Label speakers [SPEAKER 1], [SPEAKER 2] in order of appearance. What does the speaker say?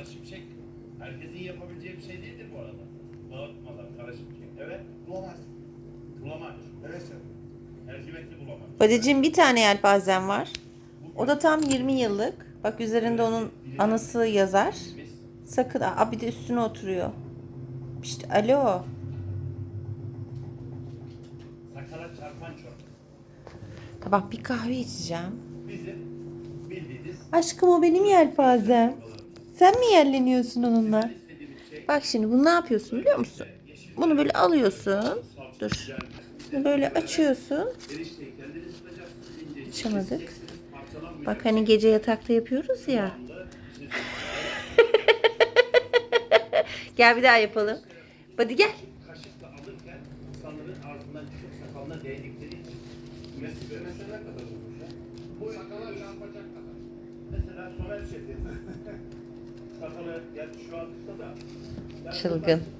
[SPEAKER 1] şimşek herkesin yapabileceği bir şey değildir bu arada. Dağıtmadan kara şimşek. Evet.
[SPEAKER 2] Bulamaç.
[SPEAKER 1] Bulamaç.
[SPEAKER 2] Evet şef.
[SPEAKER 1] Mercimekli bulamaç.
[SPEAKER 3] Badeciğim bir tane yelpazem var. O da tam 20 yıllık. Bak üzerinde onun anısı yazar. Sakın. Aa, bir de üstüne oturuyor. İşte alo.
[SPEAKER 1] Sakala çarpan çorbası.
[SPEAKER 3] Bak bir kahve içeceğim.
[SPEAKER 1] Bizim bildiğiniz
[SPEAKER 3] Aşkım o benim yelpazem. Sen mi yerleniyorsun onunla?
[SPEAKER 1] istediğimiz şey
[SPEAKER 3] Bak şimdi bunu ne yapıyorsun biliyor musun? Bunu böyle alıyorsun. Dur. Bunu böyle açıyorsun.
[SPEAKER 1] erişteyi kendiniz tutacaksınız. İnce
[SPEAKER 3] Açamadık.
[SPEAKER 1] keseceksiniz, parçalanmayacak.
[SPEAKER 3] Bak hani gece yatakta yapıyoruz ya. Gel bir daha yapalım. Hadi gel.
[SPEAKER 1] Kaşıkla alırken insanların ağzından çıkıp sakalına değdikleri için mesela ne kadar olmuş ya? Bu sakala çarpacak kadar. Mesela Somer Şef'in sakalı gerçi şu an kısa da.
[SPEAKER 3] Çılgın.